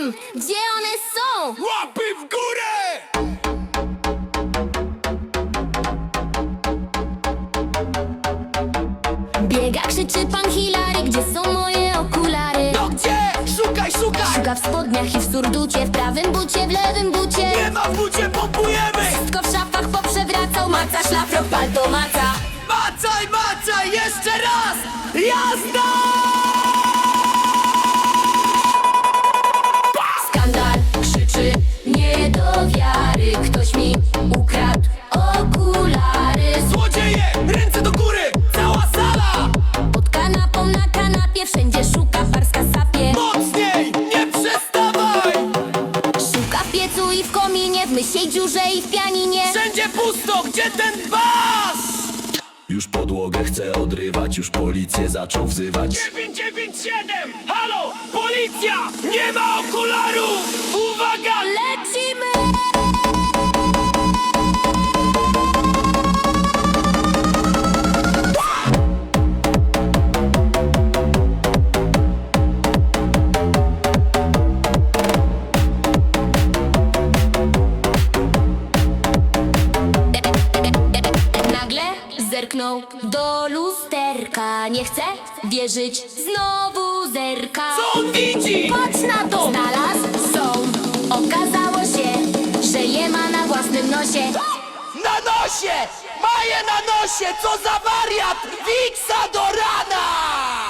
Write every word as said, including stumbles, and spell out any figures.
wiem, gdzie one są. Łapy w górę! Biega, krzyczy pan Hilary, gdzie są moje okulary? No gdzie? Szukaj, szukaj! Szuka w spodniach i w surducie, w prawym bucie, w lewym bucie. Nie ma w bucie, pompujemy! Wszystko w szafach poprzewracał, maca, szlafrok, palto, maca. Macaj, macaj, jeszcze raz! Jazda! Skandal, krzyczy, nie do wiary. Ktoś mi ukradł okulary. Złodzieje, ręce do góry! Cała sala! Pod kanapą, na kanapie, wszędzie szuka, parska sapie. Mocniej, nie przestawaj! Szuka w piecu i w kominie, w mysiej dziurze i w pianinie. Wszędzie pusto, gdzie ten bas? Już podłogę chce odrywać, już policję zaczął wzywać. dziewięć dziewięć siedem! Halo, policja! Nie ma okularów! Uwaga, Lecimy! Nagle zerknął do lusterka. Nie chce wierzyć, znowu zerka. Co on widzi? Patrz na to! Znalazł sąd. Okazało się, że je ma na własnym nosie. Na nosie! Maję na nosie! Co za wariat! Wiksa do rana!